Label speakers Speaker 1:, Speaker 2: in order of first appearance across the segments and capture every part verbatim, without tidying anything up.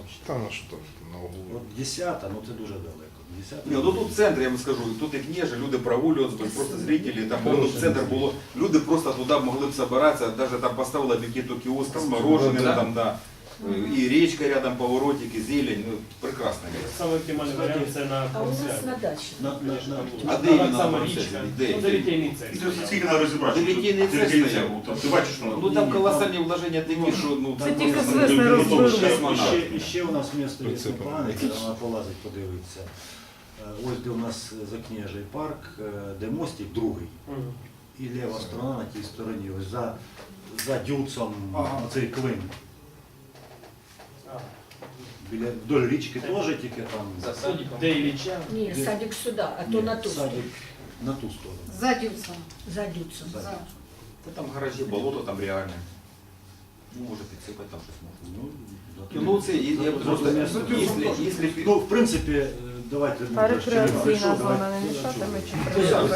Speaker 1: Та на що на углу.
Speaker 2: От десята, ну це дуже далеко. десята.
Speaker 3: Ні, ну тут в центрі, я вам скажу, тут і княжі, люди прогулювалися, просто зрителі, там ну, в центр було, люди просто туди могли б збиратися, навіть там поставили букету кіоска з мороженим,
Speaker 4: Да.
Speaker 3: там, да, і річка рядом, поворотики, зелень, ну, прекрасне місце.
Speaker 5: Самый оптимальный вариант це на
Speaker 6: А у нас
Speaker 5: Промсвязі.
Speaker 6: на даче.
Speaker 2: На, на, на,
Speaker 3: А де
Speaker 5: Так
Speaker 3: іменно
Speaker 5: само
Speaker 3: на
Speaker 5: річка.
Speaker 3: Промсвязі? Де?
Speaker 5: Ну, де літейний цех.
Speaker 7: Це скільки треба розібрати?
Speaker 3: Дивітійний
Speaker 7: Ти-
Speaker 3: цех
Speaker 7: ти-
Speaker 3: стояв.
Speaker 7: Там, ти бачиш, що
Speaker 3: Ну там колосальні вложення такі, що ну
Speaker 8: Це
Speaker 3: там
Speaker 8: тільки
Speaker 3: просто-
Speaker 8: з весни
Speaker 3: ну,
Speaker 8: розберуть.
Speaker 3: ще
Speaker 2: ще,
Speaker 3: космонавт.
Speaker 2: ще, ще у нас місто є
Speaker 1: Прицепом.
Speaker 2: непогане, коли вона полазить, подивиться. Е, Ось де у нас Закнежий парк, е, де мостик другий.
Speaker 5: Мгм.
Speaker 2: І ліва сторона на тій стороні, ось за, за дюцом оцей клин.
Speaker 5: А,
Speaker 2: Біля вдоль річки теж тільки там.
Speaker 4: За садиком.
Speaker 5: Де Ілліча?
Speaker 6: Не,
Speaker 2: Где?
Speaker 6: садик сюда, а то
Speaker 2: Ні,
Speaker 6: на ту сторону.
Speaker 2: садик на ту сторону.
Speaker 8: За Дюцем.
Speaker 6: За Дюцем.
Speaker 2: За.
Speaker 3: Та там гаражі, болото там реальне. Ну, може підсипати там щось можна.
Speaker 2: Ну,
Speaker 3: Ну, ну це я, я просто,
Speaker 2: Місто.
Speaker 3: якщо, якщо,
Speaker 2: Ну, в принципі, е, давайте...
Speaker 8: А рекреаційна
Speaker 2: Що,
Speaker 8: зона
Speaker 2: давайте-
Speaker 8: не мішатиме чи
Speaker 2: Ну,
Speaker 8: прийде?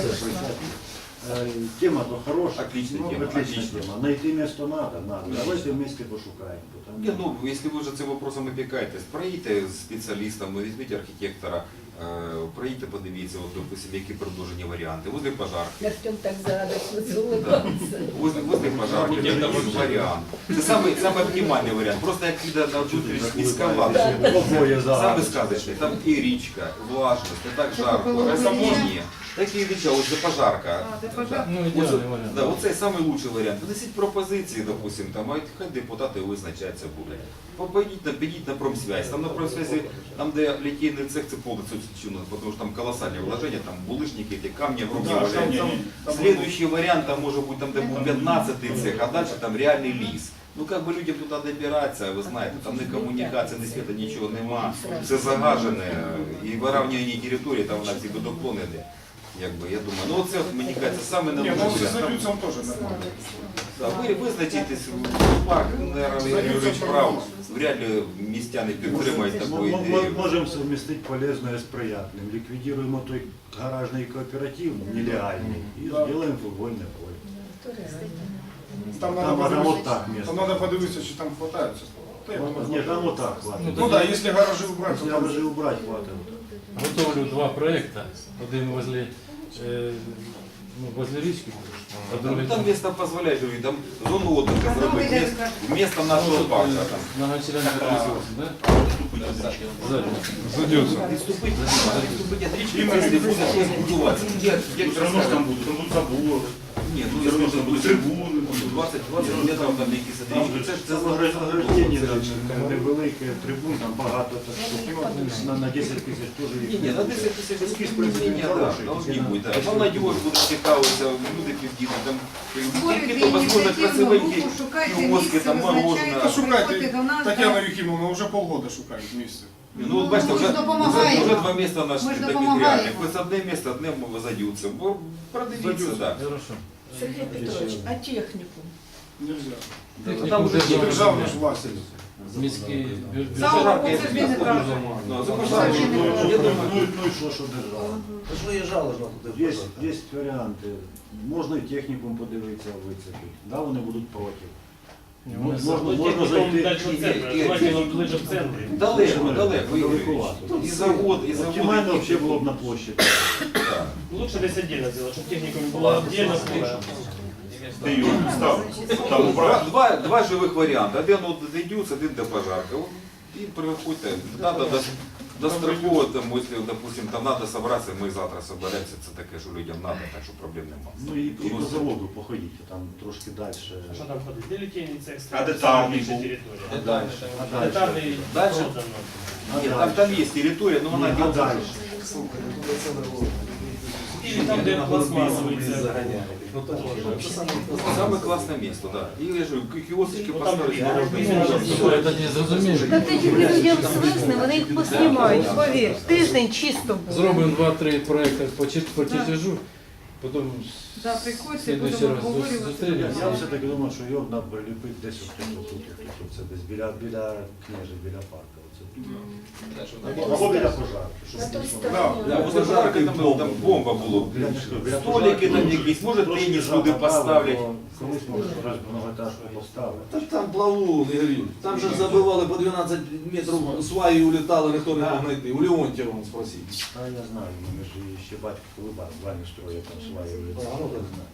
Speaker 2: Е, Тема то хорошая.
Speaker 3: Отличная
Speaker 2: ну,
Speaker 3: тема,
Speaker 2: Отличная
Speaker 3: отличная.
Speaker 2: тема. Найти место надо, надо. Давайте вместе пошукаем. Потому...
Speaker 3: Ні, ну, якщо ви вже цим вопросом опікаєтесь, проїдьте з спеціалістами, візьміть архітектора, е, проїдьте, подивіться, от, допустим, які предложені варіанти. Возле пожарки.
Speaker 6: Артем так зарадостно улыбался.
Speaker 3: Возле, возле пожарки, такий варіант. Це самий, самий оптимальний варіант. Просто як піде на чуть міська влада.
Speaker 2: Обоє за.
Speaker 3: Саме сказочний, там і річка, влажність, не так жарко, розсамлення. Такі річа, ось де пожарка.
Speaker 8: А, де пожарка.
Speaker 4: Ну,
Speaker 3: Оце-
Speaker 4: ідеальний варіант.
Speaker 3: Да, оце самий лучший варіант. Внесіть пропозиції, допустим, там, а хай депутати визначаються будуть. Попадіть на, підіть на промсвязь. Там на промсвязі, там де літійний цех, це повністю чуно, тому що там колосальні вложення, там булишники, ті камні, огромні
Speaker 7: Да,
Speaker 3: вложення.
Speaker 7: там- там-
Speaker 3: Следующий варіант, там може бути там, де був п'ятнадцятий цех, а далі там реальний ліс. Ну як би людям туди добиратися, ви знаєте, там ні комунікації, ні світу, нічого нема, все загажене, і вирівнювання території, там вона всі водоклони йде. Якби, я думаю, ну оце, мені кажеться, саме
Speaker 7: Ні, ну
Speaker 3: найлучший
Speaker 7: з
Speaker 3: варіант.
Speaker 7: Люцем теж нормально.
Speaker 3: Да, ви визначитесь, парк, наверное, Ігор Юрійович прав, вряд ли містяни підтримають таку
Speaker 2: М- м-
Speaker 3: ідею.
Speaker 2: Можем совместить полезное с приятным. Ликвидируем той гаражный кооператив нелегальный и сделаем футбольное поле.
Speaker 7: Там
Speaker 2: Там
Speaker 7: надо
Speaker 2: надо вот
Speaker 7: подивитися,
Speaker 2: так место.
Speaker 7: там надо подивитися, чи там хватає цього. Та я думаю,
Speaker 2: Нет, там вот так хватит.
Speaker 7: Ну так, якщо гаражі убрати,
Speaker 2: Если
Speaker 7: то там
Speaker 2: гаражи убрать, хватит.
Speaker 4: Готовлю два проекти. Один возле, е, ну, возле річки, а другий
Speaker 3: Там місто дозволяє, говорю, там зону отдыха зробити,
Speaker 8: де
Speaker 3: місто- вмісто нашого парку. Там.
Speaker 4: многочленний ресурс, да? Ззаді.
Speaker 1: Задються.
Speaker 3: Відступити, відступити від річки, якщо буде щось будуватися. Як, як
Speaker 7: все одно ж там будуть, там будуть забори,
Speaker 3: Ні, ну
Speaker 7: все одно ж
Speaker 3: якщо
Speaker 7: там будуть
Speaker 3: буде
Speaker 7: трибуни.
Speaker 3: двадцять двадцять метрів там якісь
Speaker 7: Там
Speaker 3: річки, це ж це
Speaker 2: Заграждение
Speaker 3: заграждення.
Speaker 2: невелике, трибун, там багато, так що на, на десять тисяч теж
Speaker 3: Ні,
Speaker 2: їх
Speaker 3: ні,
Speaker 2: не
Speaker 3: на
Speaker 2: буде.
Speaker 3: десять тисяч
Speaker 2: Ескіз, в принципі,
Speaker 3: ні, ні, да,
Speaker 2: хороший,
Speaker 3: должны
Speaker 2: тільки
Speaker 3: бути.
Speaker 2: на-
Speaker 3: Да. Молодіж буде цікавитися, люди підійдуть, там
Speaker 8: Створюйте
Speaker 3: які то возможно
Speaker 8: ініціативну
Speaker 3: красивенькі
Speaker 8: групу, шукайте
Speaker 3: кіоски,
Speaker 8: місце,
Speaker 3: там мороженое.
Speaker 7: Та
Speaker 8: визначайте,
Speaker 7: шукайте,
Speaker 8: приходьте до нас.
Speaker 7: Тетяна
Speaker 8: да.
Speaker 7: Юхімовна вже полгода шукають місце.
Speaker 3: Ну, от бачите,
Speaker 8: ми
Speaker 3: вже,
Speaker 8: ж
Speaker 3: вже,
Speaker 8: допомагаємо.
Speaker 3: вже два міста наші
Speaker 8: Ми ж
Speaker 3: таких
Speaker 8: допомагаємо.
Speaker 3: реальних. Ось одне місто, одне задються. Бо продивіться, так.
Speaker 4: Хорошо.
Speaker 6: Сергей Петрович, а технику?
Speaker 7: Нельзя.
Speaker 3: Да. Там вже
Speaker 4: Державна.
Speaker 7: Державна ж власність.
Speaker 4: Міський бюджет.
Speaker 8: За
Speaker 3: Пожарка, я
Speaker 8: це
Speaker 3: тобі
Speaker 8: не
Speaker 3: скажу.
Speaker 8: правда.
Speaker 3: Ну, за
Speaker 2: Ну,
Speaker 3: пожарку,
Speaker 2: ну,
Speaker 3: ну, я думаю,
Speaker 2: ну, ну и что, что держава?
Speaker 9: Та ж виїжджали ж туди.
Speaker 2: Есть, есть варіанти. Можна і технікум подивитися, вицепити. Да, вони будуть проти.
Speaker 4: Ні,
Speaker 2: Можна,
Speaker 4: вони
Speaker 2: можна,
Speaker 5: Ну,
Speaker 2: можна
Speaker 5: технікум
Speaker 2: зайти.
Speaker 5: далі в центр,
Speaker 3: і- і-
Speaker 5: желательно ближе в центрі.
Speaker 3: далеко, далеко, Ігор Юрійович.
Speaker 2: Далековато.
Speaker 3: І завод, і завод.
Speaker 2: Оптимально
Speaker 3: і-
Speaker 2: вообще було б на площади.
Speaker 3: Так.
Speaker 5: Лучше десь отдельно сделать, чтобы техникум было отдельно.
Speaker 7: Ти його став, там
Speaker 3: Два,
Speaker 7: убрав.
Speaker 3: два, два живих варіанти. Один от дійдеться, один до пожарки. От, і приходьте. Надо до, достроково, там, якщо, допустим, там надо собратися, ми завтра соберемося, це таке, що людям надо, так що проблем немає.
Speaker 2: Ну і, і по заводу походіть, там трошки далі.
Speaker 5: А что там ходить? Де літейний цех?
Speaker 7: А де там
Speaker 5: більше
Speaker 7: був?
Speaker 5: територія.
Speaker 3: А далі?
Speaker 2: А далі.
Speaker 5: Детальний
Speaker 3: Дальше?
Speaker 5: продано.
Speaker 2: А
Speaker 3: Ні, там,
Speaker 2: далі.
Speaker 3: там є територія, але вона
Speaker 2: Ні, а
Speaker 3: ділиться.
Speaker 2: далі.
Speaker 5: Или там, де пластмасовий цех.
Speaker 3: Саме класне місто, так. І я ж говорю, кіосики
Speaker 5: Ну, там
Speaker 3: поставити,
Speaker 5: є.
Speaker 3: можна.
Speaker 4: Це не зрозуміло.
Speaker 8: Та тоді людям звикне, вони їх поснімають, повір. Тиждень чисто буде.
Speaker 4: Зробимо два-три проекти по чер- по чертежу, потім
Speaker 8: Да, приходьте,
Speaker 4: слідуючий
Speaker 8: будемо
Speaker 4: раз
Speaker 8: обговорювати.
Speaker 4: зустрінемося.
Speaker 2: Я все-таки думаю, що його треба приліпити десь отут, отут, отут, це десь біля, біля княжі, біля парка. Оце тут. Або біля пожарки. щоб
Speaker 6: На той
Speaker 2: дійсно-
Speaker 6: стороне.
Speaker 3: Да, возле пожарки там, там бомба було.
Speaker 2: Біля- біля
Speaker 3: Столики
Speaker 2: пожарки,
Speaker 3: там
Speaker 2: ну,
Speaker 3: якісь, може
Speaker 2: трошки
Speaker 3: теніс
Speaker 2: направо,
Speaker 3: люди поставлять.
Speaker 2: бо Колись може хтось многоетажку поставив.
Speaker 9: Так там плавун, Ігорів. Там же ж забивали по дванадцять метрів сваї улітали, ніхто не мог знайти. У Леонтьєва вон спросіть.
Speaker 2: А я знаю, у мене ж ще батько коли баню строїв, там свої улітали. Я знаю.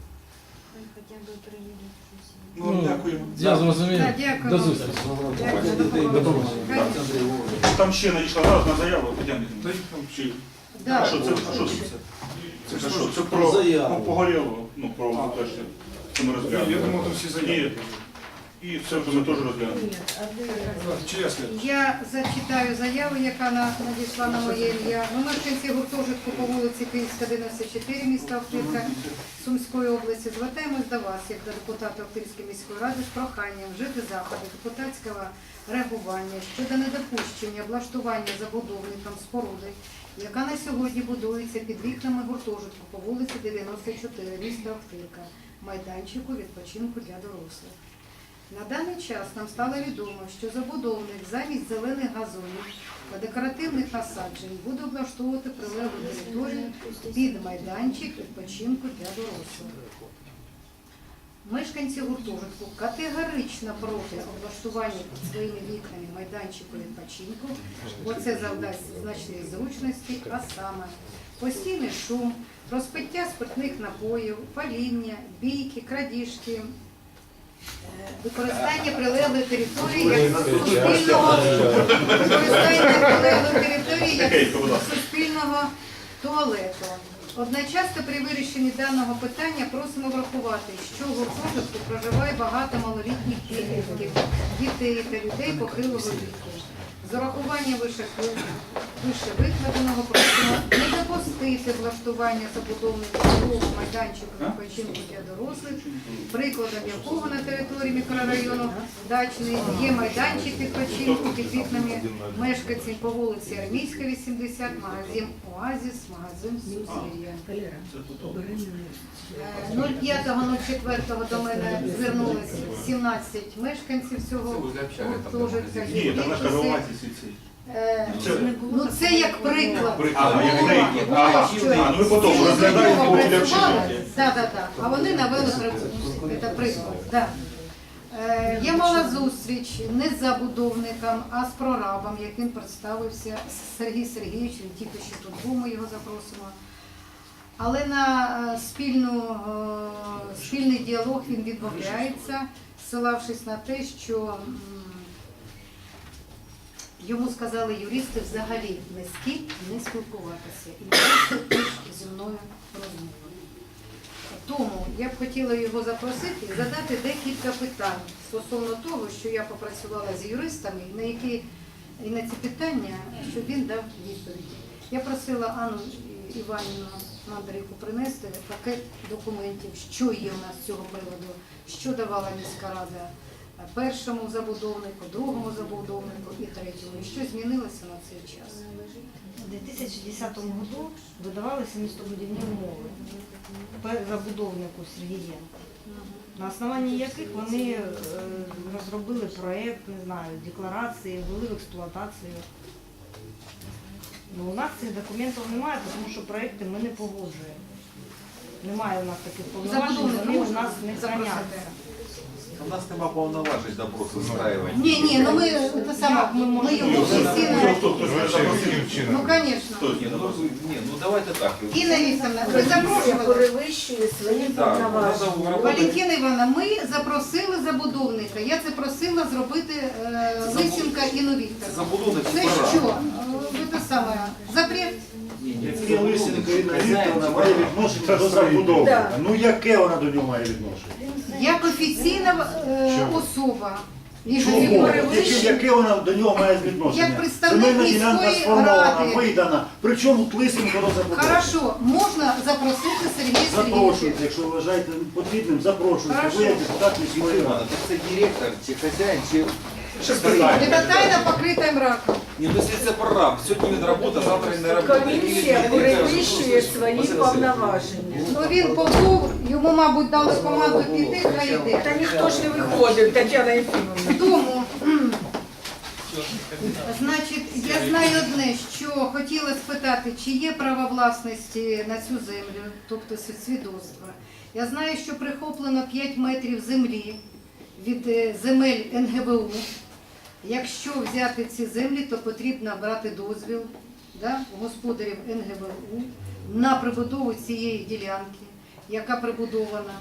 Speaker 7: Ну, дякуємо.
Speaker 4: Я зрозумів.
Speaker 6: Так, дякую
Speaker 4: До
Speaker 6: вам.
Speaker 4: зустрічі.
Speaker 6: Дякую.
Speaker 4: До побачення.
Speaker 7: Там ще надійшла разна заява, Тетяна Вікторівна. Там ще.
Speaker 6: Да.
Speaker 7: Що це? А що це? Це ж що? Це про
Speaker 9: Заяву.
Speaker 7: по- погоріло, ну, про те, що це ми розглянули.
Speaker 1: Я думав, там всі заяви.
Speaker 7: І, і це вже ми теж розглянули.
Speaker 6: Ні, а де-
Speaker 1: Чесно.
Speaker 10: Я зачитаю заяву, яка на- надійшла на моє ім'я. Ну, мешканці гуртожитку по вулиці Київська, дев'яносто чотири, міста Охтирка, Сумської області. Звертаємось до вас, як до депутата Охтирської міської ради, з проханням вжити заходи депутатського реагування щодо недопущення облаштування забудовникам споруди, яка на сьогодні будується під вікнами гуртожитку по вулиці дев'яносто чотири, міста Охтирка, майданчику відпочинку для дорослих. На даний час нам стало відомо, що забудовник замість зелених газонів та декоративних насаджень буде облаштовувати прилеглу територію під майданчик відпочинку для дорослих. Мешканці гуртожитку категорично проти облаштування під своїми вікнами майданчику відпочинку, бо це завдасть значної зручності, а саме постійний шум, розпиття спиртних напоїв, паління, бійки, крадіжки, використання прилеглої території як суспільного використання прилеглої території як суспільного туалету. Одночасно при вирішенні даного питання просимо врахувати, що в гуртожитку проживає багато малолітніх підлітків, дітей та людей похилого віку. З урахуванням вище викладеного просимо не допустити влаштування забудовників нового майданчику відпочинку для дорослих, прикладом якого на території мікрорайону Дачний є майданчик відпочинку під вікнами мешканців по вулиці Армійська, вісімдесят, магазин Оазіс, магазин Сузір'я.
Speaker 6: Валера, убери мене.
Speaker 10: нуль п'ятого нуль четвертого до мене звернулося сімнадцять мешканців цього гуртожитка.
Speaker 7: Ні, там наша громадські ці.
Speaker 10: Е, Ну це як приклад.
Speaker 7: А, як приклад.
Speaker 10: Було,
Speaker 7: Ага.
Speaker 10: що
Speaker 7: А, ну ви потім
Speaker 10: ці
Speaker 7: розглядаєте
Speaker 10: умови
Speaker 7: по для
Speaker 10: працювали.
Speaker 7: вчинення.
Speaker 10: Так, так, так. А вони навели працювати. Це приклад. Да. Е, Я мала зустріч не з забудовником, а з прорабом, як він представився, Сергій Сергійович, він тільки що тут був, ми його запросимо. Але на е, спільну, е, спільний діалог він відмовляється, ссилавшись на те, що м, йому сказали юристи взагалі не з ким не спілкуватися і не теж зі мною розмову. Тому я б хотіла його запросити і задати декілька питань стосовно того, що я попрацювала з юристами, і на які і на ці питання, щоб він дав відповіді. Я просила Анну Іванівну Мандрейку принести пакет документів, що є у нас з цього приводу, що давала міська рада першому забудовнику, другому забудовнику і третьому, і що змінилося на цей час.
Speaker 8: В две тысячи десятом году выдавалися містобудівні умови забудовнику Сергієнку, на основанні яких вони е, розробили проєкт, не знаю, декларації, ввели в експлуатацію. Ну, у нас цих документів немає, тому що проєкти ми не погоджуємо. Немає у нас таких повноважень,
Speaker 10: Забудовника
Speaker 8: вони у
Speaker 10: можна
Speaker 8: нас не
Speaker 10: запросити?
Speaker 8: храняться.
Speaker 3: У нас нема повноважень допрос устраивать.
Speaker 10: Ні, ні, ну ми, це саме, ми, ми його офіційно, ну, звісно.
Speaker 3: Ні, ну, ні, ну давайте так.
Speaker 10: Інна Вікторівна, ви
Speaker 6: Комісія
Speaker 10: запрошували?
Speaker 6: перевищує свої
Speaker 3: Да,
Speaker 6: повноваження.
Speaker 3: надо вработать.
Speaker 10: Валентина Івановна, ми запросили забудовника. Я це просила зробити е, Лисенка Інну Вікторівну.
Speaker 3: Забудовник
Speaker 10: Це
Speaker 3: пора.
Speaker 10: що? Е, Ви те саме, запрет?
Speaker 2: Яке Лисенко Інна Вікторівна має відношення до забудовника?
Speaker 6: Да.
Speaker 2: Ну яке вона до нього має відношення?
Speaker 10: Як офіційна е, особа.
Speaker 2: Чого?
Speaker 10: Ігор
Speaker 2: Яке, яке вона до нього має відношення?
Speaker 10: Як представник
Speaker 2: Земельна ділянка
Speaker 10: міської
Speaker 2: сформована,
Speaker 10: ради.
Speaker 2: видана. Причому Лисенко до забудовника?
Speaker 10: Хорошо, можна запросити Сергія Сергійовича.
Speaker 2: Запрошуйте, якщо вважаєте потрібним, запрошуйте.
Speaker 10: Хорошо.
Speaker 2: Ви як депутат міської
Speaker 3: Ладно,
Speaker 2: ради.
Speaker 3: так це директор, чи хазяїн, чи...
Speaker 7: Ще спитаємо.
Speaker 10: Це тайна покрита мраком.
Speaker 3: Ні, ну якщо це прораб, сьогодні він робота, завтра він не робота.
Speaker 6: Комісія перевищує свої повноваження.
Speaker 10: Ну він побув, йому, мабуть, дали команду піти, хай йде.
Speaker 6: Та ніхто ж не виходив, Тетяна Єфімовна.
Speaker 10: Тому Значить, я знаю одне, що хотіла спитати, чи є право власності на цю землю, тобто свідоцтво. Я знаю, що прихоплено п'ять метрів землі від е, земель ен ге ве у. Якщо взяти ці землі, то потрібно брати дозвіл, да, у господарів ен ге ве у на прибудову цієї ділянки, яка прибудована.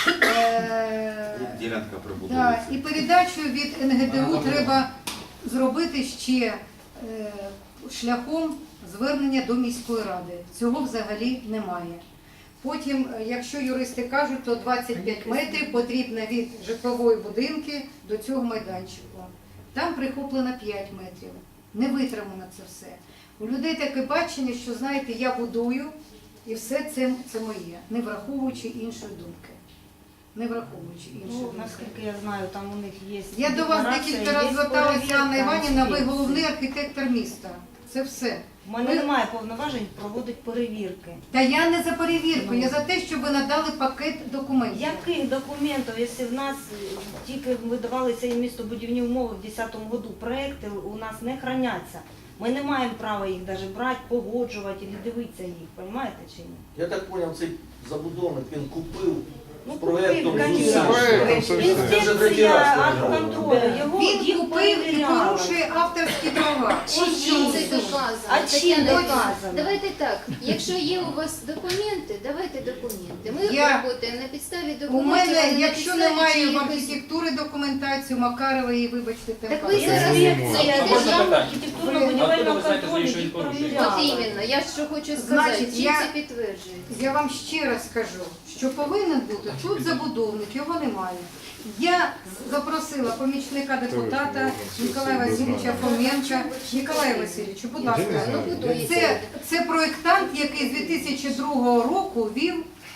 Speaker 10: Е,
Speaker 3: Ділянка
Speaker 10: Да,
Speaker 3: прибудовується.
Speaker 10: і передачу від ен ге де у треба зробити ще е, шляхом звернення до міської ради. Цього взагалі немає. Потім, е, якщо юристи кажуть, то двадцять п'ять метрів потрібно від житлової будинки до цього майданчику. Там прихоплено п'ять метрів. Не витримано це все. У людей таке бачення, що, знаєте, я будую і все це, це моє, не враховуючи іншої думки. Не враховуючи іншої
Speaker 8: Ну,
Speaker 10: думки.
Speaker 8: наскільки я знаю, там у них є.
Speaker 10: Я до вас
Speaker 8: декларація,
Speaker 10: декілька
Speaker 8: є
Speaker 10: разів зверталася,
Speaker 8: перевірка,
Speaker 10: Анна Іванівна, ви
Speaker 8: інспекція.
Speaker 10: головний архітектор міста. Це все.
Speaker 8: У мене немає повноважень проводити перевірки.
Speaker 10: Та я не за перевірку, я за те, щоб ви надали пакет документів.
Speaker 8: Яких документів, якщо в нас тільки видавалися і містобудівні умови в десятому году, проекти у нас не храняться. Ми не маємо права їх навіть брати, погоджувати і дивитися їх, розумієте чи ні?
Speaker 9: Я так зрозумів, цей забудовник, він купив
Speaker 8: Ну,
Speaker 9: з проєктом
Speaker 8: купив,
Speaker 9: з
Speaker 8: конечно.
Speaker 9: усім.
Speaker 1: Проектом, все, все.
Speaker 9: Це вже третій раз
Speaker 8: Інспекція
Speaker 9: стояло.
Speaker 8: контролю, його
Speaker 10: Він
Speaker 8: їх
Speaker 10: купив і
Speaker 8: перевіряла.
Speaker 10: порушує авторські права. Ось
Speaker 8: Чим
Speaker 10: чому
Speaker 8: це
Speaker 10: суть.
Speaker 11: доказано?
Speaker 8: А чим
Speaker 11: Тетяна
Speaker 8: доказано?
Speaker 11: Іванівна, Давайте так, якщо є у вас документи, давайте документи. Ми
Speaker 10: Я-
Speaker 11: працюємо на підставі
Speaker 10: У
Speaker 11: документів, а
Speaker 10: мене,
Speaker 11: не на
Speaker 10: якщо
Speaker 11: підставі
Speaker 10: немає в
Speaker 11: чиїхось-
Speaker 10: архітектури документацію Макарової, вибачте, тим
Speaker 11: Так ви
Speaker 10: паче.
Speaker 11: зараз
Speaker 1: не можна.
Speaker 11: це
Speaker 5: А можна
Speaker 11: державна
Speaker 5: питання?
Speaker 8: архітектурно-будівельного
Speaker 5: знаєте,
Speaker 8: контролю
Speaker 5: що
Speaker 8: їх
Speaker 5: він порушує?
Speaker 8: перевіряла.
Speaker 11: От іменно, я що хочу сказати,
Speaker 10: Значить,
Speaker 11: чим
Speaker 10: я-
Speaker 11: це підтверджується?
Speaker 10: Я вам ще раз скажу, що повинен бути тут забудовник, його немає. Я запросила помічника депутата Ніколая Васильовича Фоменка. Ніколая Васильовичу, будь ласка,
Speaker 11: Ну, будується.
Speaker 10: це, це проєктант, який з дві тисячі другого року вів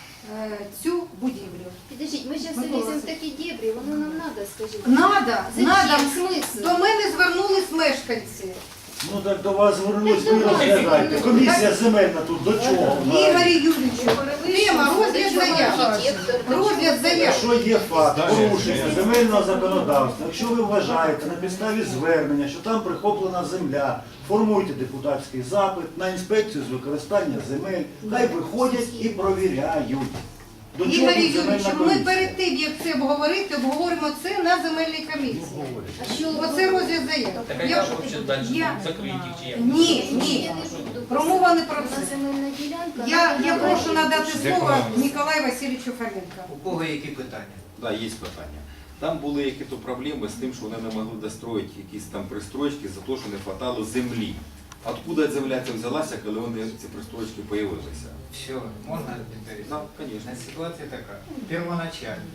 Speaker 10: е, цю будівлю.
Speaker 11: Підождіть, ми зараз
Speaker 10: Ми
Speaker 11: ліземо в
Speaker 10: голосуємо.
Speaker 11: такі дебрі, воно нам треба, скажіть.
Speaker 10: Надо,
Speaker 11: Зачем?
Speaker 10: надо.
Speaker 11: Смисл?
Speaker 10: До мене звернулись мешканці.
Speaker 2: Ну так до вас звернулись,
Speaker 11: Так
Speaker 2: ви
Speaker 11: до вас.
Speaker 2: розглядаєте. Комісія земельна тут до чого?
Speaker 10: Ігорі Юрійовичу, тема розгляд заяв.
Speaker 11: Архітектор,
Speaker 10: Розгляд заяв.
Speaker 2: Якщо є факт порушення земельного законодавства, якщо ви вважаєте на підставі звернення, що там прихоплена земля, формуйте депутатський запит на інспекцію з використання земель, хай виходять і провіряють. До чого
Speaker 10: Ігорі
Speaker 2: тут
Speaker 10: Юрійовичу,
Speaker 2: земельна
Speaker 10: ми
Speaker 2: комісія?
Speaker 10: перед тим, як це обговорити, обговоримо це на земельній комісії.
Speaker 11: А що
Speaker 10: Оце розгляд заяв.
Speaker 5: Так а
Speaker 10: Я-
Speaker 5: як вообще далі?
Speaker 10: я-
Speaker 5: Закриті їх чи як?
Speaker 10: Ні, ні. Промова не про
Speaker 11: Вона
Speaker 10: це.
Speaker 11: земельна ділянка.
Speaker 10: Я,
Speaker 11: вона
Speaker 10: я
Speaker 11: була
Speaker 10: прошу надати слово
Speaker 1: Дякую.
Speaker 10: Ніколаю Васильовичу Фоменко.
Speaker 3: У кого які питання? Да, є питання. Там були якісь проблеми з тим, що вони не могли достроїти якісь там пристройки за те, що не вистачало землі. Откуда земля ця взялася, коли вони ці пристройки з'явилися?
Speaker 12: Все, можно повторить?
Speaker 3: Так, звісно.
Speaker 12: Ситуація така. Первоначально,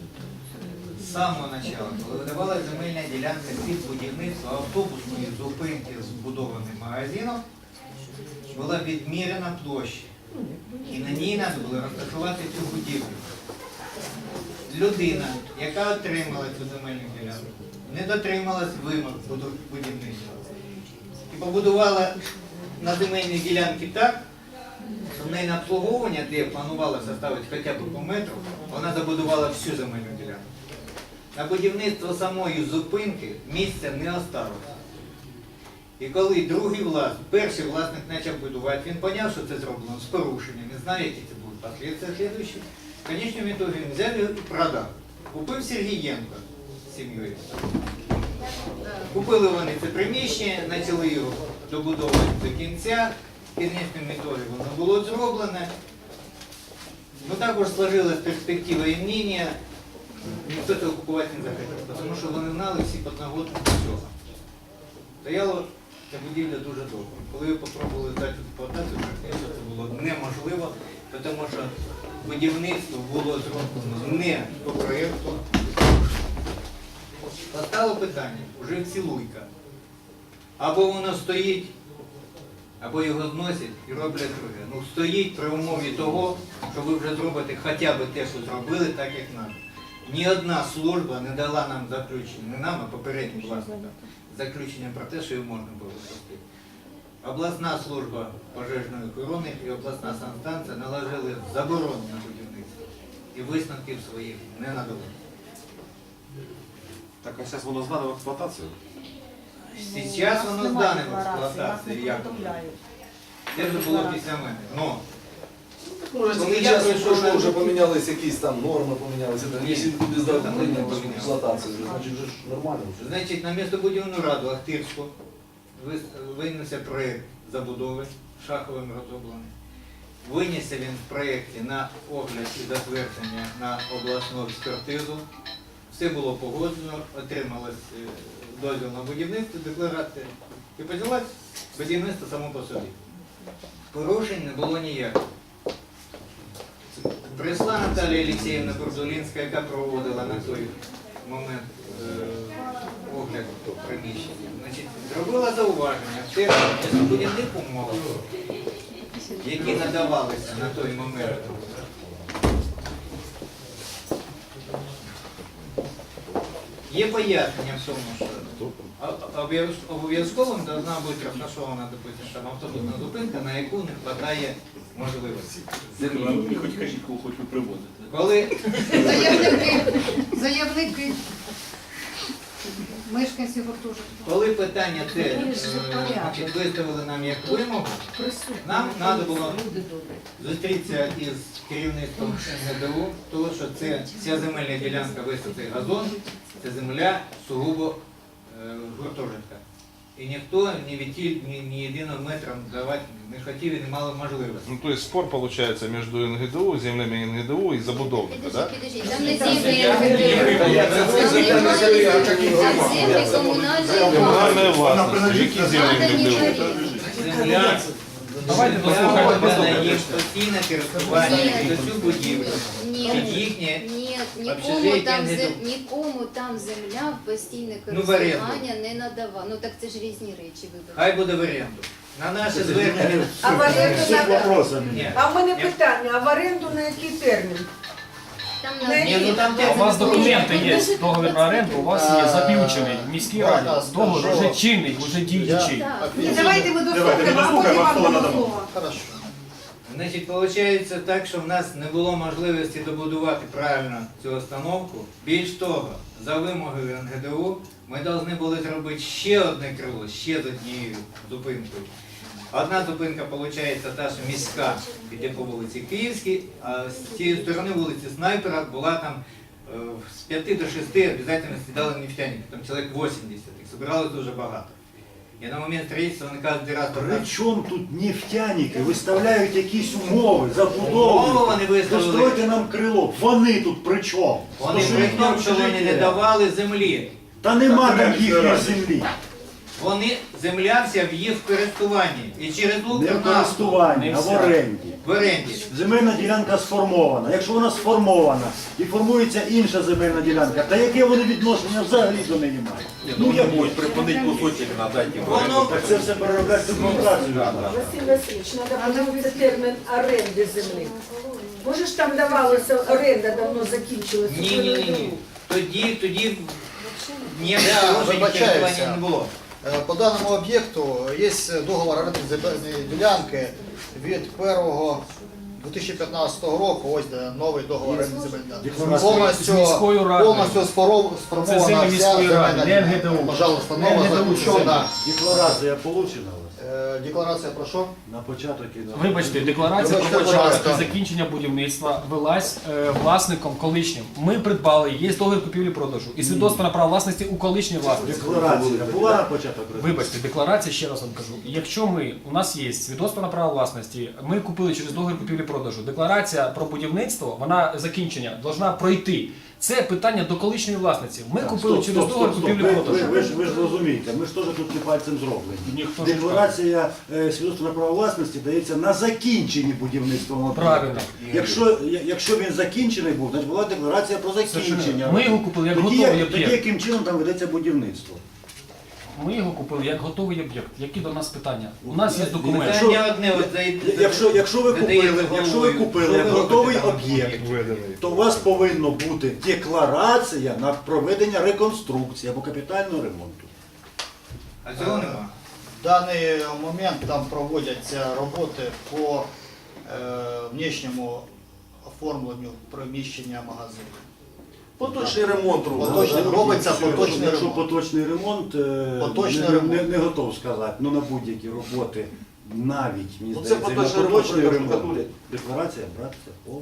Speaker 12: з самого начала, коли видавалася земельна ділянка під будівництво автобусної зупинки з збудованим магазином, була відміряна площа. І на ній треба було розташувати цю будівлю. Людина, яка отримала цю земельну ділянку, не дотрималась вимог буду- будівництва. І побудувала на земельній ділянці так, що в неї на обслуговування, де планувалося ставити хоча б по метру, вона забудувала всю земельну ділянку. На будівництво самої зупинки місця не осталося. І коли другий власник, перший власник почав будувати, він зрозумів, що це зроблено з порушенням, не знає, які це будуть послідствия слідуючі. В конечному ітогі він взяв його і продав. Купив Сергієнко з сім'єю. Купили вони це приміщення, почали його добудовувати до кінця. В кінечному ітогі воно було зроблене. Ну також сложилась перспектива і мнення, ніхто цього купувати не захотів, тому що вони знали всі подноготні цього. Стояло ця будівля дуже довго. Коли ви спробували здати в експлуатацію, практично це було неможливо, тому що будівництво було зроблено не по проєкту. Постало питання, вже цілуйка. Або воно стоїть, або його зносять і роблять друге. Ну стоїть при умові того, що ви вже зробите хоча б те, що зробили, так як треба. Ні одна служба не дала нам заключення, не нам, а попереднім власникам, заключення про те, що його можна було зробити. Обласна служба пожежної охорони і обласна санстанція наложили заборону на будівництво. І висновків своїх не надали.
Speaker 3: Так, а зараз воно здано в експлуатацію?
Speaker 12: Зараз
Speaker 8: У
Speaker 12: воно
Speaker 8: нас
Speaker 12: здане
Speaker 8: немає
Speaker 12: в
Speaker 8: декларації, нас
Speaker 12: експлуатації,
Speaker 8: не
Speaker 12: як
Speaker 8: повідомляють.
Speaker 12: це вже було після мене. Ну,
Speaker 9: Може,
Speaker 12: Коли
Speaker 9: тільки
Speaker 12: я
Speaker 9: час
Speaker 12: прийшов
Speaker 9: пройшло,
Speaker 12: на-
Speaker 9: вже помінялись якісь там норми, помінялися.
Speaker 12: Ні.
Speaker 9: Якщо люди здали
Speaker 12: Там
Speaker 9: прийняти
Speaker 12: норми
Speaker 9: в
Speaker 12: помінялися.
Speaker 9: експлуатацію, значить вже ж нормально вже.
Speaker 12: значить, на містобудівну раду Ахтирську вис- винесся проєкт забудови, Шаховим розроблений. Винісся він в проєкті на огляд і затвердження на обласну експертизу. Все було погоджено, отрималось е, дозвіл на будівництво, декларація. І почалось будівництво само по собі. Порушень не було ніяких. Прийшла Наталія Олексіївна Бурдулінська, яка проводила на той момент е, огляд приміщення. Значить, зробила зауваження в тих містобудівних умовах, які надавалися на той момент. Є пояснення в тому, що а- обов'яз- обов'язковим повинна бути розташована, допустим, там автобусна зупинка, на яку не вистачає можливості землі.
Speaker 7: Хоч кажіть, кого хоч ви приводите.
Speaker 12: Коли
Speaker 10: Заявники, заявники, мешканці гуртожитку.
Speaker 12: Коли питання те
Speaker 6: Вони
Speaker 12: е,
Speaker 6: ж за порядок.
Speaker 12: значить, виставили нам як вимогу,
Speaker 6: Присутні.
Speaker 12: нам треба було
Speaker 6: Люди добрі.
Speaker 12: зустрітися із керівництвом ен ге де у, тому що це ця земельна ділянка висоти газон, це земля сугубо е, гуртожитка. І ніхто ні відтіль, ні, ні єдиного метра давати не хотів і не мали можливості.
Speaker 1: Ну, то есть спор получается между эн гэ дэ у, землями эн гэ дэ у и забудовника, да?
Speaker 11: Підожди, підожди, там не землі ен ге де у. Там землі комунальної
Speaker 1: Коммунальная
Speaker 11: власності.
Speaker 1: власть. Які землі
Speaker 11: Надо
Speaker 1: эн
Speaker 11: не
Speaker 1: гэ дэ у?
Speaker 11: говорити.
Speaker 12: Земля,
Speaker 4: Давайте
Speaker 12: земля
Speaker 4: дослухаємо,
Speaker 12: віддана
Speaker 4: дослухаємо.
Speaker 12: їм постійне користування
Speaker 11: Ні.
Speaker 12: за цю будівлю.
Speaker 11: Ні,
Speaker 12: Під їхнє
Speaker 11: ні, нікому
Speaker 12: общежиття
Speaker 11: там,
Speaker 12: не
Speaker 11: зем...
Speaker 12: до-
Speaker 11: нікому там земля в постійне
Speaker 12: Ну, в оренду.
Speaker 11: користування не надавала. Ну так це ж різні речі, вибачте.
Speaker 12: Хай буде в оренду. На наше звернення.
Speaker 6: А в оренду
Speaker 2: Всі
Speaker 6: надо.
Speaker 2: вопросами.
Speaker 12: Ні.
Speaker 6: А в мене
Speaker 12: Ні.
Speaker 6: питання, а в оренду на який термін?
Speaker 11: Там
Speaker 6: Ні,
Speaker 11: на
Speaker 12: Ні, ну там
Speaker 5: А у вас
Speaker 12: те-
Speaker 5: документи є, договір на оренду, у вас є заключений в міській раді. Договір вже чинний, вже діючий.
Speaker 11: Так.
Speaker 10: Ні, давайте ми
Speaker 7: Давайте ми
Speaker 10: дослухаємо, а потім
Speaker 7: дослухаємо, а
Speaker 10: вам
Speaker 7: слово
Speaker 10: дамо
Speaker 7: надамо.
Speaker 10: слово.
Speaker 12: Хорошо. Значить, виходить так, що в нас не було можливості добудувати правильно цю установку. Більш того, за вимогою ен ге де у ми повинні були зробити ще одне крило, ще з однією зупинкою. Одна зупинка, виходить, та, що міська, іде по вулиці Київській, а з цієї сторони вулиці Снайпера була там е, з п'яти до шести обов'язково сідали нефтяники, там чоловік вісімдесят, їх збиралось дуже багато. І на момент строительства вони кажуть, директор,
Speaker 2: При чому тут нефтяники виставляють якісь умови,
Speaker 12: умови
Speaker 2: забудови?
Speaker 12: вони виставили.
Speaker 2: Достройте нам крило. Вони тут при чому?
Speaker 12: Вони
Speaker 2: То,
Speaker 12: при
Speaker 2: їх
Speaker 12: тому,
Speaker 2: там
Speaker 12: що вони не
Speaker 2: життя.
Speaker 12: давали землі.
Speaker 2: Та нема
Speaker 7: Так,
Speaker 2: там
Speaker 7: так,
Speaker 2: їхньої
Speaker 7: так.
Speaker 2: землі.
Speaker 12: Вони земля вся в їх користуванні. І через
Speaker 2: Не в
Speaker 12: Укрнафту
Speaker 2: користуванні, а в оренді.
Speaker 12: в оренді.
Speaker 2: Земельна ділянка сформована. Якщо вона сформована і формується інша земельна ділянка, та яке вони відношення взагалі до неї мають?
Speaker 3: Ну, я можу припинити кусочок, надати йому.
Speaker 12: Воно
Speaker 2: Так це все переробляти документацію.
Speaker 6: Василь Васильович, треба подивитися термін оренди землі. Може ж там давалося, оренда давно закінчилася?
Speaker 12: ні, ні, ні, ні. Тоді, тоді ніяких
Speaker 13: Я
Speaker 12: положень
Speaker 13: вибачаюся.
Speaker 12: користування не було.
Speaker 13: Е, По даному об'єкту є договор оренди земельної ділянки від першого дві тисячі п'ятнадцятого року, ось де новий договор оренди земельної ділянки.
Speaker 2: Декларація.
Speaker 13: Повністю,
Speaker 5: З міською радою.
Speaker 13: повністю споров-
Speaker 5: Це
Speaker 13: сформована
Speaker 5: землі
Speaker 13: вся
Speaker 5: міської
Speaker 13: земельна
Speaker 5: ради, не ен ге де
Speaker 13: ділянка.
Speaker 5: у.
Speaker 13: Пожалуйста,
Speaker 5: Не
Speaker 13: нова
Speaker 5: ен ге де у,
Speaker 13: заключена.
Speaker 2: Декларація получена у вас?
Speaker 13: Е, Декларація про що?
Speaker 2: На початок і на...
Speaker 5: Вибачте, декларація
Speaker 13: Вибачте,
Speaker 5: про
Speaker 13: будь
Speaker 5: початок
Speaker 13: ласка.
Speaker 5: і закінчення будівництва велась е, власником колишнім. Ми придбали, є договір купівлі-продажу і свідоцтво на право власності у колишній власності.
Speaker 2: Декларація була на початок?
Speaker 5: Вибачте, декларація, ще раз вам кажу. Якщо ми, у нас є свідоцтво на право власності, ми купили через договір купівлі-продажу. Декларація про будівництво, вона закінчення, должна пройти. Це питання до колишньої власниці. Ми
Speaker 2: Так,
Speaker 5: купили
Speaker 2: стоп,
Speaker 5: через
Speaker 2: стоп,
Speaker 5: договір
Speaker 2: стоп, стоп. Ви, ви,
Speaker 5: купівлі-продажу.
Speaker 2: ви, ж, ви ж розумієте, ми ж теж тут не пальцем зроблені.
Speaker 5: Ніхто ж не
Speaker 2: Декларація е, свідоцтва на право власності дається на закінченні будівництва об'єкту.
Speaker 5: Правильно.
Speaker 2: Якщо, я- якщо він закінчений був, значить була декларація про закінчення.
Speaker 5: Ми його купили як
Speaker 2: тоді,
Speaker 5: готовий
Speaker 2: тоді
Speaker 5: об'єкт.
Speaker 2: яким чином там ведеться будівництво?
Speaker 5: Ми його купили як готовий об'єкт. Які до нас питання? У нас є документ.
Speaker 2: Якщо-
Speaker 12: Питання одне, от за-
Speaker 2: Якщо, якщо ви
Speaker 12: видає
Speaker 2: купили,
Speaker 12: головою.
Speaker 2: якщо ви купили
Speaker 12: Що ви
Speaker 2: як
Speaker 12: робите
Speaker 2: готовий
Speaker 12: там?
Speaker 2: об'єкт,
Speaker 1: Виданий.
Speaker 2: то у вас повинна бути декларація на проведення реконструкції або капітального ремонту.
Speaker 12: А цього нема.
Speaker 13: В даний момент там проводяться роботи по е, внішньому оформленню приміщення магазину.
Speaker 9: Поточний ремонт робить.
Speaker 13: Поточний робиться
Speaker 2: Якщо-
Speaker 13: поточний
Speaker 2: Якщо
Speaker 13: ремонт.
Speaker 2: поточний ремонт, е,
Speaker 13: Поточний
Speaker 2: не,
Speaker 13: ремонт.
Speaker 2: Не, не готов сказати, ну на будь-які роботи, навіть, мені
Speaker 9: Ну, це
Speaker 2: здається,
Speaker 9: поточний
Speaker 2: на
Speaker 9: ремонт,
Speaker 2: поточний
Speaker 9: що
Speaker 2: ремонт.
Speaker 9: штукатурять.
Speaker 2: Декларація, братися, похуй.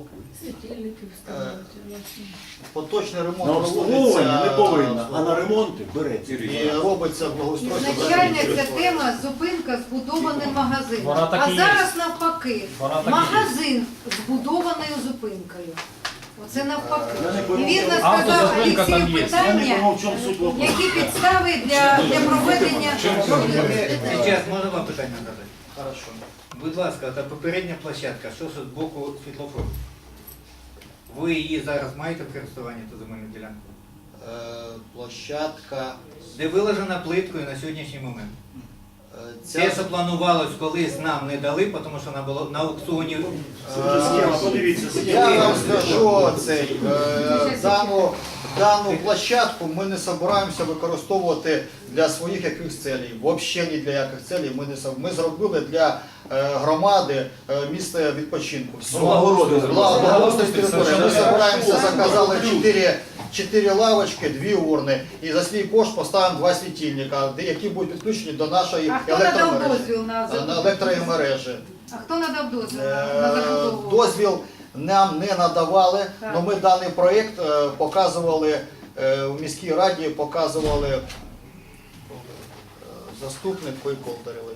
Speaker 13: Поточний ремонт
Speaker 2: На обслуговування не повинна, а на
Speaker 13: ремонт
Speaker 2: ремонти береться.
Speaker 13: і робиться благоустройство.
Speaker 10: Ізначально ця тема зупинка збудованим магазином.
Speaker 5: Вона так
Speaker 10: А
Speaker 5: і є.
Speaker 10: зараз навпаки,
Speaker 5: Вона так і є.
Speaker 10: магазин збудованою зупинкою. Оце навпаки.
Speaker 2: Я не
Speaker 10: І
Speaker 2: пойму,
Speaker 10: вірно
Speaker 2: чому-
Speaker 10: сказав
Speaker 5: Автозупинка там
Speaker 10: Олексій
Speaker 5: є.
Speaker 2: Я не
Speaker 10: питання,
Speaker 2: пойму, в чому суть вопросу.
Speaker 10: які підстави для, для проведення.
Speaker 12: Зараз можна вам питання задати?
Speaker 13: Хорошо.
Speaker 12: Будь ласка, та попередня площадка, що ж з боку світлофору? Ви її зараз маєте в користуванні, ту земельну ділянку?
Speaker 13: Е, Площадка.
Speaker 12: Де виложена плиткою на сьогоднішній момент?
Speaker 13: е,
Speaker 12: Це,
Speaker 13: Ця
Speaker 12: що планувалось, колись нам не дали, тому що вона була на аукціоні.
Speaker 2: Це вже схема, подивіться,
Speaker 13: Я
Speaker 2: схема.
Speaker 13: вам скажу цей, е, дану, дану площадку ми не збираємося використовувати для своїх якихось цілей. Взагалі ні для яких цілей ми не соб- Ми зробили для е, громади е, місце відпочинку. Все.
Speaker 9: Благородне зробили.
Speaker 13: Благородне територія. Ми збираємося, заказали чотири чотири лавочки, дві урни і за свій кошт поставимо два світильника, де- які будуть підключені до нашої
Speaker 10: А хто надав
Speaker 13: електромережі.
Speaker 10: дозвіл на
Speaker 13: На електромережі.
Speaker 10: А хто надав дозвіл на
Speaker 13: Е,
Speaker 10: на забудову?
Speaker 13: Дозвіл нам не надавали,
Speaker 10: Так.
Speaker 13: але ми даний проєкт е, показували е, в міській раді, показували е, заступник Колдарєвий.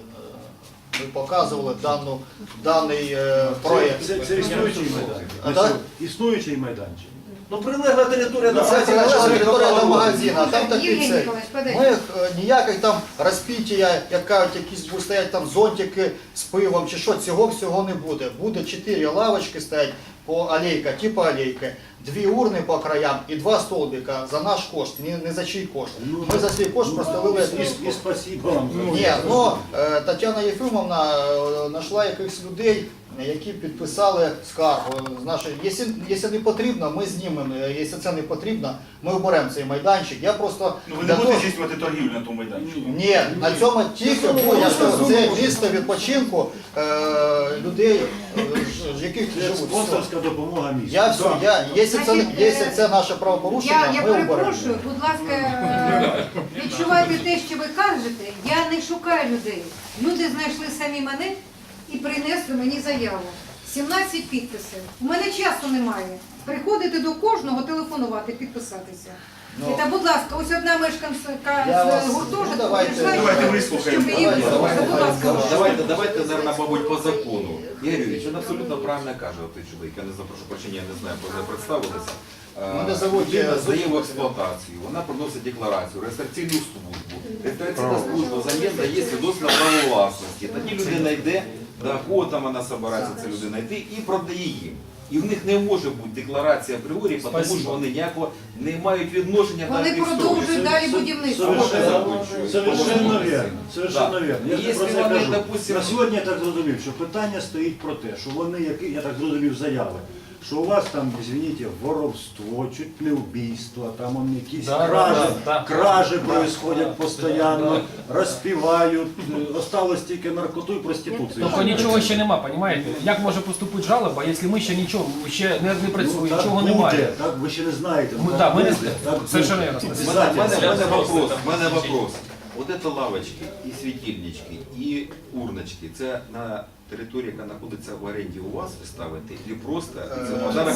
Speaker 13: Ми показували дану, даний е, проєкт.
Speaker 2: Це, це існуючий майданчик.
Speaker 13: А, так?
Speaker 2: Існуючий майданчик.
Speaker 9: Ну прилегла територія до
Speaker 13: Це
Speaker 9: магазина.
Speaker 13: прилегла
Speaker 9: що
Speaker 13: територія до
Speaker 9: ви
Speaker 13: магазина, там такий
Speaker 10: Євгеній
Speaker 13: цей.
Speaker 10: Ніколаєвич, подожди.
Speaker 13: Ми е, ніяких там розпіття, як кажуть, якісь будуть стоять там зонтики з пивом чи що, цього всього не буде. Буде чотири лавочки стоять по алейка, типу алейки, дві урни по краям і два столбика за наш кошт, не, не за чий кошт. Ми за свій кошт простелили.
Speaker 2: І, і спасибо вам за
Speaker 13: Ні, ну е, Тетяна Єфимовна е, знайшла якихось людей, які підписали скаргу з нашої. Якщо, якщо не потрібно, ми знімемо. Якщо це не потрібно, ми оберемо цей майданчик. Я просто
Speaker 7: Ну ви не
Speaker 13: для
Speaker 7: будете
Speaker 13: того-
Speaker 7: здійснювати торгівлю на тому майданчику?
Speaker 13: ні, на цьому тільки бо я скажу, це місце відпочинку е, людей, е, ж- з яких
Speaker 2: Це
Speaker 13: живуть. Все.
Speaker 2: спонсорська допомога місцю.
Speaker 13: Я все, я, якщо це,
Speaker 10: Значить,
Speaker 13: якщо
Speaker 10: е,
Speaker 13: це наше правопорушення,
Speaker 10: Я, я
Speaker 13: ми оберемо.
Speaker 10: перепрошую, будь ласка, е, відчувайте те, що ви кажете. Я не шукаю людей. Люди знайшли самі мене і принесли мені заяву. сімнадцять підписів. У мене часу немає. Приходити до кожного, телефонувати, підписатися.
Speaker 13: Ну,
Speaker 10: Та, будь ласка, ось одна мешканка
Speaker 13: Я вас-
Speaker 10: з
Speaker 13: ну,
Speaker 10: гуртожитку
Speaker 13: давайте-
Speaker 10: прийшла,
Speaker 7: давайте
Speaker 10: щоб
Speaker 7: вислухаємо.
Speaker 10: її
Speaker 13: Давайте,
Speaker 10: вислухати.
Speaker 13: давайте,
Speaker 10: Будь ласка,
Speaker 13: давайте.
Speaker 3: Давайте, давайте, наверное, мабуть, по закону. Ігор Юрійович, він абсолютно правильно каже, той чоловік, я не запрошу прощення, я не знаю, бо не представилися.
Speaker 13: Мене зовуть,
Speaker 3: Людина
Speaker 13: е,
Speaker 3: здає в
Speaker 13: Зуб.
Speaker 3: експлуатацію, вона приносить декларацію, реєстраційну службу. Реєстраційна служба взамін дає свідоцтво на право власності. Тоді людина йде, до кого там вона збирається, ця людина йти, і продає їм. І в них не може бути декларація апріорі, тому
Speaker 5: Спасибо.
Speaker 3: що вони ніякого не мають відношення до
Speaker 10: Вони
Speaker 3: тих
Speaker 10: продовжують
Speaker 3: строїв.
Speaker 10: далі будівництво.
Speaker 2: Совершенно, совершенно верно. Совершенно
Speaker 3: Да.
Speaker 2: верно. Я
Speaker 3: І
Speaker 2: ж
Speaker 3: якщо
Speaker 2: про це
Speaker 3: вони,
Speaker 2: кажу.
Speaker 3: допустим-
Speaker 2: На сьогодні я так зрозумів, що питання стоїть про те, що вони, які, я так зрозумів, заяви, що у вас там, извините, воровство, чуть не вбійство, там он якісь
Speaker 5: Да,
Speaker 2: кражі,
Speaker 5: да, да.
Speaker 2: кражі происходять постійно, розпівають, е, осталось тільки наркоту і проституцію.
Speaker 5: Тобто нічого ще нема, розумієте? Як може поступити жалоба, якщо ми ще нічого, ще не, не працюємо,
Speaker 2: так
Speaker 5: нічого
Speaker 2: буде,
Speaker 5: немає?
Speaker 2: Так, ви ще не знаєте.
Speaker 5: Ми,
Speaker 2: так
Speaker 5: да, ми не
Speaker 2: буде, так
Speaker 5: совершенно
Speaker 2: буде.
Speaker 5: верно.
Speaker 3: У мене, у мене, у мене
Speaker 4: Я
Speaker 3: вопрос,
Speaker 4: там
Speaker 3: у мене вопрос. Вот это лавочки, і світильнички, і урночки, це на території, яка знаходиться в оренді у вас, ви ставите, чи просто це
Speaker 13: Це,
Speaker 3: подарок?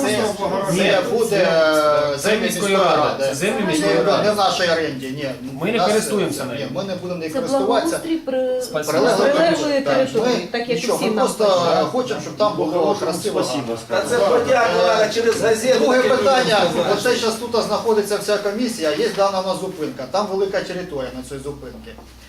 Speaker 13: це буде е,
Speaker 5: Це
Speaker 13: землі
Speaker 5: міської ради. Це землі міської
Speaker 13: Не,
Speaker 5: ради.
Speaker 13: не в нашій оренді, ні.
Speaker 5: Ми не
Speaker 13: Нас-
Speaker 5: користуємося
Speaker 13: ні,
Speaker 5: нею.
Speaker 13: Ми не будемо нею
Speaker 14: Це
Speaker 13: користуватися.
Speaker 14: благоустрій при
Speaker 5: Спасибо.
Speaker 13: Прилеглої
Speaker 14: прилеглої
Speaker 13: Так,
Speaker 14: території,
Speaker 13: ми-
Speaker 14: так як
Speaker 13: нічого,
Speaker 14: усі
Speaker 13: ми
Speaker 14: нам
Speaker 13: просто
Speaker 14: кажуть.
Speaker 13: хочемо, щоб там було красиво.
Speaker 2: Спасибо,
Speaker 9: Та це
Speaker 2: сказано.
Speaker 9: подяку треба через газету.
Speaker 13: Друге
Speaker 9: таке
Speaker 13: питання,
Speaker 9: людям сказати.
Speaker 13: оце зараз тут знаходиться вся комісія, є дана у нас зупинка, там велика територія на цій зупинці.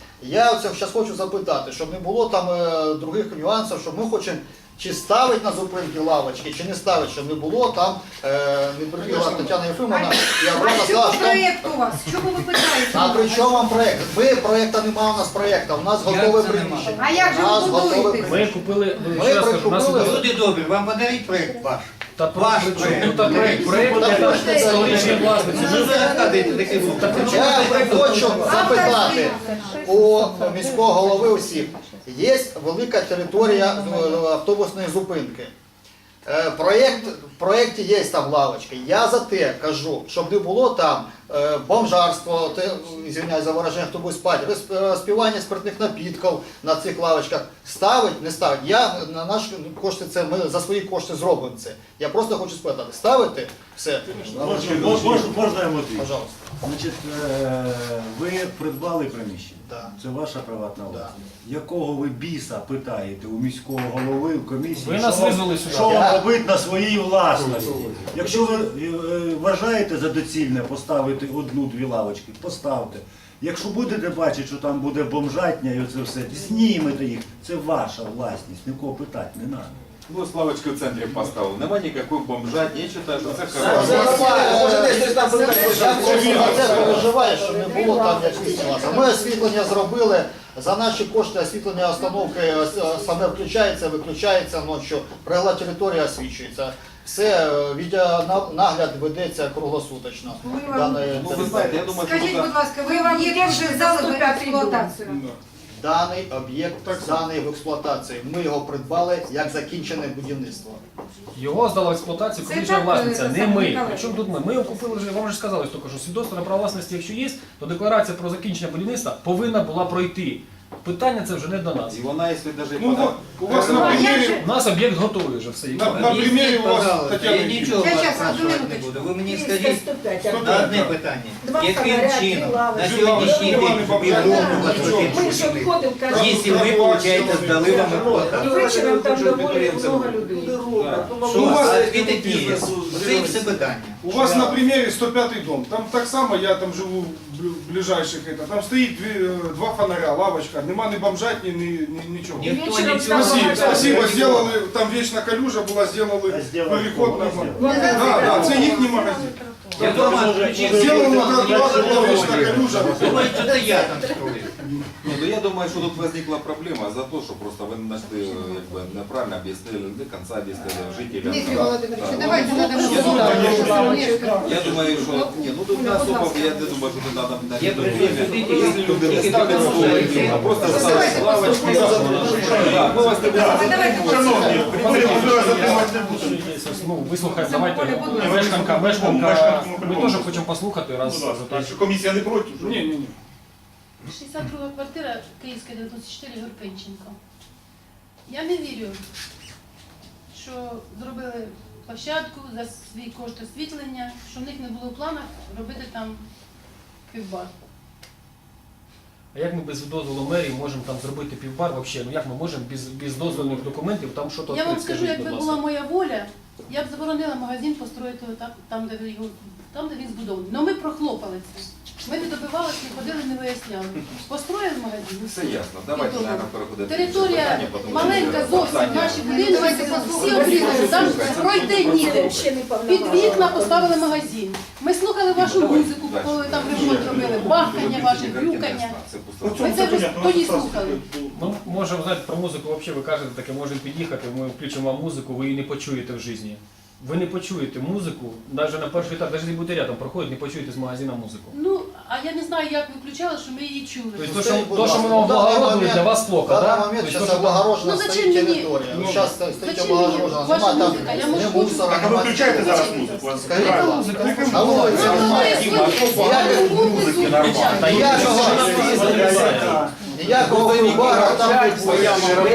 Speaker 13: Я зараз хочу запитати, щоб не було там е, других нюансів, щоб ми хочемо чи ставити на зупинки лавочки, чи не ставити, щоб не було там, е, не прибігла Тетяна Єфимовна, і
Speaker 10: А
Speaker 13: Аврона
Speaker 10: що
Speaker 13: сказала,
Speaker 10: по
Speaker 13: що там...
Speaker 10: проєкту у вас? Чому ви питаєте?
Speaker 13: А при чому вам проєкт? Ви проєкту немає у нас проєкту, у нас
Speaker 12: Як
Speaker 13: готове
Speaker 12: це
Speaker 13: приміщення.
Speaker 10: А як же
Speaker 13: У нас
Speaker 10: ви
Speaker 13: готове
Speaker 10: будуєте?
Speaker 13: приміщення.
Speaker 5: Ми купили,
Speaker 13: Ми
Speaker 5: ще раз кажу, у нас
Speaker 13: прикупили-
Speaker 5: іде-
Speaker 12: Люди добрі, вам подарить проєкт ваш.
Speaker 5: Та
Speaker 12: Ваш
Speaker 5: при чому
Speaker 12: проєкт.
Speaker 5: тут проєкт? Проєкт це столичні власниці.
Speaker 12: Ну, ви розказуєте такі звуки.
Speaker 13: Я хочу запитати у міського голови усіх. Є велика територія е, автобусної зупинки. Е, Проєкт, в проєкті є там лавочки. Я за те кажу, щоб не було там е, бомжарство, те, извиняюсь за вираження, хто буде спати, розп- розпивання спиртних напідків на цих лавочках. Ставить, не ставить. Я на наші кошти це, ми за свої кошти зробимо це. Я просто хочу спитати, ставити все?
Speaker 2: Можна, можна, можна я мотив?
Speaker 13: Пожалуйста.
Speaker 2: Значить, е, ви придбали приміщення.
Speaker 13: Да.
Speaker 2: Це ваша приватна власність. Якого ви біса питаєте у міського голови, в комісії,
Speaker 5: Ви нас
Speaker 2: що вам-
Speaker 5: визвали сюди.
Speaker 2: що вам
Speaker 13: Я-
Speaker 2: робити на своїй власності? Якщо ви е, вважаєте за доцільне поставити одну-дві лавочки, поставте. Якщо будете бачити, що там буде бомжатня і оце все, знімете їх. Це ваша власність, нікого питати не треба.
Speaker 3: Ну, Славочки в центрі поставив. Нема ніякої бомжатні. Я вважаю, що це
Speaker 13: Це
Speaker 3: хорошо.
Speaker 13: нормально.
Speaker 9: Може, десь хтось там питає,
Speaker 13: Я за це переживаю, що не було там як світлося. Ми освітлення зробили, за наші кошти освітлення установки е, саме включається, виключається ночі, прилегла територія освічується. Все, е, відеонагляд ведеться круглосуточно. Даної
Speaker 3: Ну, ви знаєте, я думаю, що
Speaker 10: Скажіть,
Speaker 3: тут-
Speaker 10: будь ласка, ви об'єкт вже здали в експлуатацію?
Speaker 13: Даний об'єкт зданий в експлуатацію. Ми його придбали як закінчене будівництво.
Speaker 5: Його здала в експлуатацію
Speaker 10: Це
Speaker 5: колишня
Speaker 10: так,
Speaker 5: власниця,
Speaker 10: е,
Speaker 5: не
Speaker 10: саме
Speaker 5: ми.
Speaker 10: Миколаїв.
Speaker 5: Причому тут ми? Ми його купили вже, вам вже сказали тільки, що свідоцтво на право власності, якщо є, то декларація про закінчення будівництва повинна була пройти. Питання це вже не до нас.
Speaker 3: І вона, якщо навіть
Speaker 7: Ну вот, у вас на примере,
Speaker 5: У нас об'єкт готовий вже все.
Speaker 7: на, на примере у вас,
Speaker 12: Пожалуйста,
Speaker 7: Татьяна
Speaker 12: я
Speaker 7: Юрьевна,
Speaker 12: нічого
Speaker 10: Щас,
Speaker 12: вас
Speaker 10: щас,
Speaker 12: спрашувати
Speaker 10: одну
Speaker 12: не
Speaker 10: минуточку.
Speaker 12: буду. Ви мені
Speaker 6: триста
Speaker 12: скажіть
Speaker 6: сто п'ять,
Speaker 12: на одне питання.
Speaker 6: Два
Speaker 12: Яким
Speaker 6: фонаря,
Speaker 12: чином
Speaker 6: дві лавочки.
Speaker 12: на сьогоднішній день відмовувати
Speaker 6: Ми ж обходимо кожен
Speaker 12: якщо ми, виходить, здали вам
Speaker 6: і
Speaker 12: експлуатацію?
Speaker 6: вечором там доволі много людей.
Speaker 12: Що
Speaker 7: У вас-
Speaker 12: а відповідь є? Це і все питання.
Speaker 7: у вас на примере сто пятый дом. Там так само, я там живу в блю- ближайших, это, там стоит две, э, два фонаря, лавочка, нема ни бомжатні, ни, ни, нічого.
Speaker 12: Ніхто
Speaker 6: Вечором
Speaker 12: нічого
Speaker 6: там
Speaker 7: Спасибо,
Speaker 6: багато
Speaker 7: спасибо,
Speaker 6: людей.
Speaker 7: сделали, там вічна калюжа була, сделали
Speaker 2: А сделали
Speaker 7: переход
Speaker 2: кого?
Speaker 7: на
Speaker 2: Не
Speaker 7: Да, да, це їхній магазин.
Speaker 12: Я дома включив.
Speaker 7: Сделали на тротуарі, була вічна калюжа.
Speaker 12: Думаю, що це я там строїв.
Speaker 3: Ні, ну я думаю, що тут возникла проблема за те, що просто ви знайшли, якби, неправильно об'яснили, не до кінця об'яснили жителям.
Speaker 10: Дмитрий
Speaker 3: Да.
Speaker 10: Володимирович,
Speaker 3: Да.
Speaker 10: давайте
Speaker 3: Ну,
Speaker 10: надамо
Speaker 3: я
Speaker 10: слово.
Speaker 3: думаю, Я думаю, що ні, ну тут не особо, я не думаю, що тут треба на
Speaker 12: Я
Speaker 3: время.
Speaker 12: присутствую,
Speaker 3: Якщо люди не
Speaker 12: тільки
Speaker 3: ставлять
Speaker 12: тому,
Speaker 3: столики,
Speaker 12: що
Speaker 3: а просто
Speaker 10: Давайте
Speaker 3: ставлять лавочки. Да, ми вас не
Speaker 10: А давайте
Speaker 2: Шановні,
Speaker 10: послухаємо.
Speaker 2: ви затримати не будемо.
Speaker 5: Ну, вислухаємо,
Speaker 10: Це
Speaker 5: давайте.
Speaker 10: Оля, будь ласка.
Speaker 5: Мешканка, мешканка,
Speaker 7: Мешканка,
Speaker 5: ми теж хочемо послухати, раз.
Speaker 7: Будь ласка,
Speaker 5: так.
Speaker 7: якщо комісія не проти. Ні, ні, ні.
Speaker 14: шістдесят друга квартира, Київська, дев'яносто чотири, Горпенченко. Я не вірю, що зробили площадку за свій кошт освітлення, що в них не було в планах робити там півбар.
Speaker 5: А як ми без дозволу мерії можемо там зробити півбар взагалі? Ну як ми можемо без, без дозвільних документів там щось
Speaker 14: Я вам
Speaker 5: відкрити?
Speaker 14: скажу,
Speaker 5: Скажіть,
Speaker 14: якби
Speaker 5: будь
Speaker 14: була
Speaker 5: ласка.
Speaker 14: моя воля, я б заборонила магазин построїти отак, там, де ви його, там, де він збудований. Але ми прохлопали це. Ми не добивалися, не ходили, не виясняли. Построїли магазин.
Speaker 3: Все ясно. Давайте,
Speaker 14: Відомо.
Speaker 3: наверное, переходити. до
Speaker 14: Територія
Speaker 3: питання, тому що
Speaker 14: маленька зовсім,
Speaker 3: питання-
Speaker 14: наші будинки,
Speaker 10: Давайте
Speaker 14: всі
Speaker 10: послухаємо.
Speaker 14: обрізані, там пройти ніде.
Speaker 6: Ще не
Speaker 14: Під вікна
Speaker 6: повноважена.
Speaker 14: поставили магазин. Ми слухали вашу музику, коли ви там ремонт робили, бахкання ваше, грюкання.
Speaker 3: Це пусто.
Speaker 14: Ми це вже тоді слухали.
Speaker 5: Ну, може, знаєте, про музику взагалі ви кажете, таке можемо під'їхати, ми включимо вам музику, ви її не почуєте в житті. Ви не почуєте музику, навіть на перший етап, навіть не будете рядом проходить, не почуєте з магазина музику.
Speaker 14: Ну, а я не знаю, як ви включали, що ми її чули.
Speaker 5: Тобто,
Speaker 13: Ну,
Speaker 5: то, що,
Speaker 13: скажіть, будь
Speaker 5: то, що ми
Speaker 13: ласка,
Speaker 5: вам
Speaker 13: в даний
Speaker 5: облагородили,
Speaker 13: момент-
Speaker 5: для вас плохо,
Speaker 13: В даний
Speaker 5: так?
Speaker 13: момент
Speaker 5: Тобто,
Speaker 13: зараз
Speaker 5: то, що-
Speaker 13: облагорожена
Speaker 14: Ну, зачем
Speaker 13: стоїть
Speaker 14: мені-
Speaker 13: територія.
Speaker 14: Ну,
Speaker 13: Зараз стоїть
Speaker 14: зачем
Speaker 13: облагорожена.
Speaker 14: мені ваша
Speaker 13: Нема там
Speaker 14: музика? Я
Speaker 13: ні
Speaker 14: можу
Speaker 13: мусора,
Speaker 14: хочу-
Speaker 7: А ви
Speaker 13: нема
Speaker 7: включаєте
Speaker 13: нічого.
Speaker 7: зараз музику?
Speaker 13: Скажіть, будь ласка, на вулиці
Speaker 14: Ну,
Speaker 13: немає.
Speaker 14: ви свої музики нормально.
Speaker 5: Та є
Speaker 13: Ніякого
Speaker 5: що вона не залізає.
Speaker 13: ніякого вибора там не буде.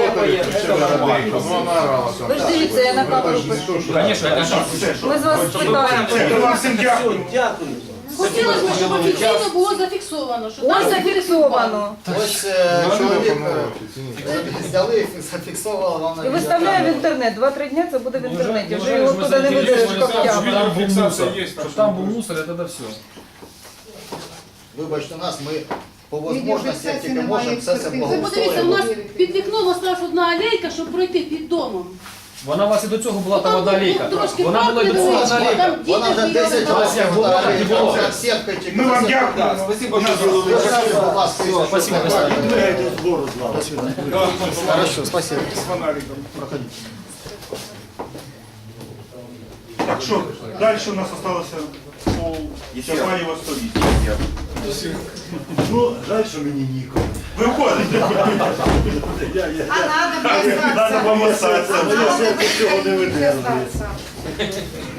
Speaker 8: Ви ж дивіться, я на камеру пишу.
Speaker 5: Звісно, я кажу.
Speaker 8: Ми з вас спитаємо.
Speaker 7: Ми вам всім дякуємо.
Speaker 14: Хотілося б, щоб офіційно було зафіксовано, що
Speaker 8: Ось
Speaker 14: там
Speaker 8: зафіксовано.
Speaker 13: Ось е, чоловік е, взяли, зафіксували вам на
Speaker 8: І виставляє в інтернет. Два-три дня це буде в інтернеті. Вже його туди не видереш
Speaker 5: Щоб
Speaker 8: коптя.
Speaker 5: там був мусор,
Speaker 7: Є,
Speaker 5: щоб там був мусор, і тоді все.
Speaker 13: Вибачте нас, ми по можливості, як тільки можемо, все це
Speaker 14: ви подивіться, у
Speaker 13: благоустроїмо.
Speaker 14: нас під вікном осталась одна алейка, щоб пройти під домом.
Speaker 5: Вона у вас і до цього була там
Speaker 14: Там
Speaker 5: одна алейка.
Speaker 14: трошки
Speaker 5: Вона була і до цього одна алейка.
Speaker 14: Там діти
Speaker 13: Вона вже
Speaker 14: бігали
Speaker 13: десять
Speaker 14: там.
Speaker 5: Ось як
Speaker 13: років,
Speaker 5: було,
Speaker 13: так,
Speaker 5: так і було.
Speaker 13: як сітка тільки.
Speaker 7: Ми вам
Speaker 13: за
Speaker 7: дякуємо.
Speaker 3: Да, спасибо, що
Speaker 13: сітку.
Speaker 3: зробили.
Speaker 13: Державі, будь ласка,
Speaker 5: Все, спасибо,
Speaker 13: щоб-
Speaker 5: Настя.
Speaker 2: Двигайте збору з лави.
Speaker 13: Хорошо, спасибо.
Speaker 7: З фонариком.
Speaker 13: Проходите.
Speaker 7: Так що, далі у нас залишилося по Чапаєва сто вісім.
Speaker 2: Ну, жаль, що мені ніколи.
Speaker 15: Ви входите.
Speaker 10: А надо мне остаться.
Speaker 2: Надо помassаться.
Speaker 10: А надо
Speaker 2: Цього не
Speaker 10: мне
Speaker 2: видержує.
Speaker 10: остаться.